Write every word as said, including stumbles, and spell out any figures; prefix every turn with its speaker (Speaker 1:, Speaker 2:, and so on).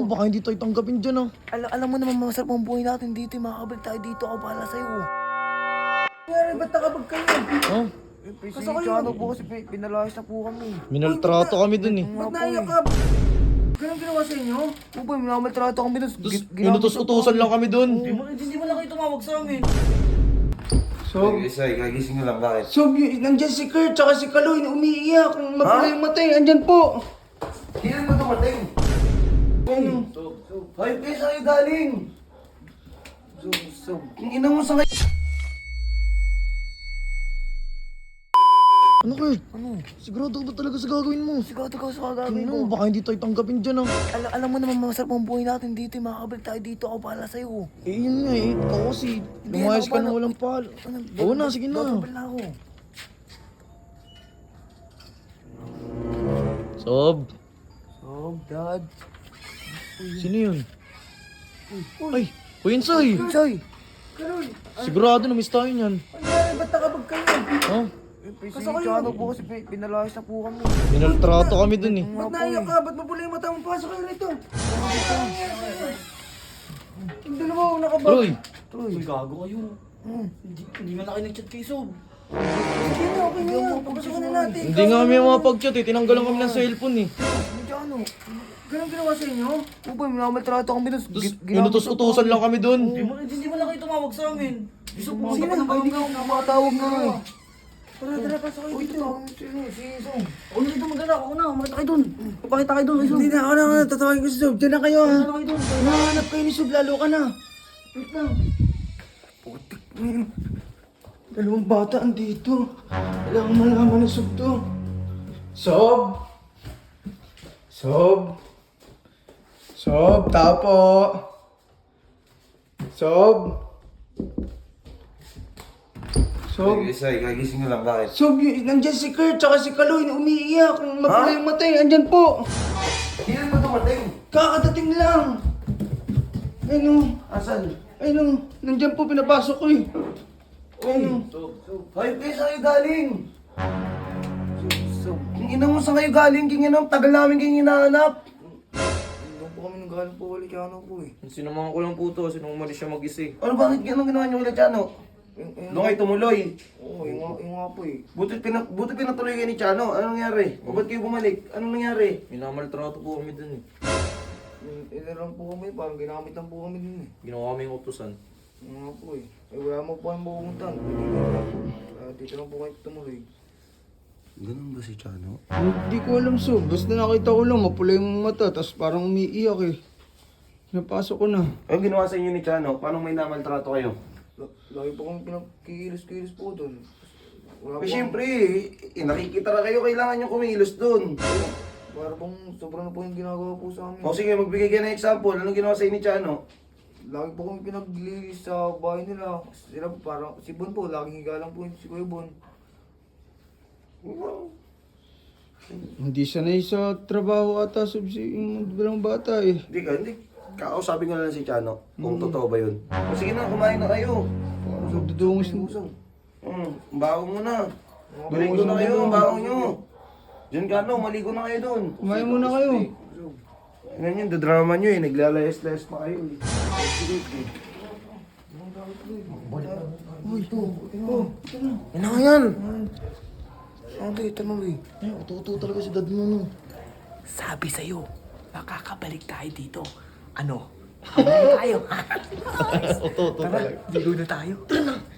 Speaker 1: baka hindi tayo tanggapin dyan ah.
Speaker 2: Alam, alam mo naman masarap ang buhay natin dito. Makakabalik tayo dito. Ako bahala sa'yo. Kaya ba't nakabag kayo?
Speaker 1: Oh,
Speaker 2: Kasi ano po kasi pinalayas na po kami.
Speaker 1: minaltrato kami dun eh.
Speaker 2: Ba't naiyak ka? Ganun ginawa sa inyo? Upa, minamaltrato kami dun.
Speaker 1: Tapos inutos-utosan lang kami dun.
Speaker 2: Hindi mo, hindi mo na kayo tumawag sa amin.
Speaker 3: So,
Speaker 4: Isay, kagising na lang, bakit?
Speaker 3: so y- nandiyan si Kurt tsaka si Kaloy na umiiyak. Mapula yung matay, andyan po.
Speaker 4: Kailan mo dumating?
Speaker 3: Ano?
Speaker 4: Hayop kayo sa'yo galing!
Speaker 2: So, so.
Speaker 4: Yung ina mo sa ngayon.
Speaker 1: Ano Kurt?
Speaker 2: Ano?
Speaker 1: Sigurado ka ba talaga sa gagawin mo?
Speaker 2: Sigado ka sa kagagawin
Speaker 1: Ano,
Speaker 2: mo.
Speaker 1: baka hindi tayo tanggapin dyan ah.
Speaker 2: Alam, alam mo naman masarap ang buhay natin dito. Makakabalik tayo dito. Ako bahala sa'yo.
Speaker 1: Eh yun nga eh, ikaw kasi lumayas ka na walang pal. Oo na, sige na.
Speaker 2: Bababal na ako.
Speaker 1: Sob,
Speaker 2: Oh, Dad.
Speaker 1: sino yun? Ay, Kuya Insay!
Speaker 2: Soy!
Speaker 1: Sigurado na miss tayo niyan.
Speaker 2: Ano ba't nakabag kayo?
Speaker 1: Ha?
Speaker 2: Kasi ano po kasi pinalayas na po kami.
Speaker 1: Minaltrato kami dun eh.
Speaker 2: Ba't naiyak ka? Ba't mapula yung mata mo? Pasok kayo rito. Yung dalawa ako nakabag.
Speaker 1: Troy!
Speaker 2: Troy.
Speaker 5: Gago kayo.
Speaker 2: Hmm.
Speaker 5: Hindi, hindi man na kayo nag-chat kay Sob.
Speaker 2: Sige na, okay na yan. Pagpasukan na natin.
Speaker 1: Hindi nga kami mapag-chat eh, tinanggalan kami ng cellphone eh.
Speaker 2: Medyo ano? Ganun ginawa sa inyo? Upa, minamaltrato kami dun.
Speaker 1: Tapos inutos-utosan lang kami dun.
Speaker 5: Hindi, mo, hindi man na kayo tumawag sa amin. Gusto po
Speaker 2: Sino?
Speaker 5: sa
Speaker 2: Ay, hindi ka makatawag na nga eh. Tara, tara, pasok kayo dito. Sino? Si Song.
Speaker 5: O, hindi ito maganda. Ako na, makita kayo dun. Papakita kayo dun kay Sob.
Speaker 3: Hindi na ako na, na tatawagin ko si Sob. Diyan na kayo ha.
Speaker 5: Ano kayo dun?
Speaker 3: Nahanap kayo ni Sob, lalo ka na. Wait lang. Putik na yun. Dalawang bata andito. Kailangan malaman ni Sob to. Sob? Sob? Sob, tapo. Sob? Sob?
Speaker 4: Isay, kagising na lang, bakit?
Speaker 3: Sob, y- nandiyan si Kurt tsaka si Kaloy na umiiyak. Mapula
Speaker 4: Ha?
Speaker 3: yung matay, andyan po.
Speaker 4: Kailan mo dumating?
Speaker 3: Kakadating lang. Ayun o.
Speaker 4: Asan?
Speaker 3: Ayun o. Nandiyan po, pinapasok ko eh. Ayun o.
Speaker 4: Hayop kayo sa'yo galing! Yung ina mo sa ngayon galing, king ina, tagal namin king hinahanap.
Speaker 2: Doon po kami nanggaling po ulit kaya ano po eh.
Speaker 5: Sinamahan ko lang po to. Sinong umalis siya mag-isa eh.
Speaker 4: Ano, bakit ganun ginawa niyo ulit, Chano?
Speaker 2: Yung, yung,
Speaker 4: Doon kayo tumuloy.
Speaker 2: Oo, yung, nga- yung nga po eh.
Speaker 4: Buti, pina, buti pinatuloy kayo ni Chano. Anong nangyari? O ba't kayo bumalik? Anong nangyari?
Speaker 5: Minamaltrato po kami dun eh.
Speaker 2: Yung, ina lang po kami, parang ginamit lang po kami din eh.
Speaker 5: Ginawa kami yung utusan.
Speaker 2: Yung nga po eh. Eh, wala mo po kayong pupuntahan. Uh, dito lang po kayo tumuloy.
Speaker 4: Ganun ba si Chano?
Speaker 3: Hindi ko alam, Sob. Basta nakita ko lang, mapula yung mata, tapos parang umiiyak eh. Napasok ko na.
Speaker 4: Ano ginawa sa inyo ni Chano? Paano may namaltrato kayo?
Speaker 2: L- Lagi po kami pinagkikilos-kilos po doon. Wala
Speaker 4: Eh, siyempre, eh, nakikita na kayo, kailangan nyo kumilos dun.
Speaker 2: Para pong sobra na po yung ginagawa po sa amin.
Speaker 4: O sige, magbigay ka ng example. Anong ginawa sa inyo ni Chano?
Speaker 2: Lagi po kami pinaglilis sa bahay nila. Sila po parang, si Bon po, laging higa lang po yung si Kuya Bon.
Speaker 3: Hindi sanay sa trabaho ata, Sob, si yung dalawang bata eh.
Speaker 4: Hindi ka, hindi. Kakausapin ko na lang si Chano kung totoo ba yun. O sige na, kumain na kayo.
Speaker 3: So, dudungis na.
Speaker 4: Hmm, bago mo na. Maligo na kayo, bago nyo. Diyan ka no, maligo na kayo dun.
Speaker 3: Kumain muna kayo.
Speaker 4: Yan yun, drama nyo eh. Naglalayas-layas pa kayo eh.
Speaker 2: Uy, ito. Oh, yan na nga yan. Ano ito na eh.
Speaker 1: Ay, uto-uto talaga si dad mo no.
Speaker 2: Sabi sa'yo, makakabalik tayo dito. Ano? Habalik tayo.
Speaker 1: Uto-uto talaga.
Speaker 2: Ligo na tayo.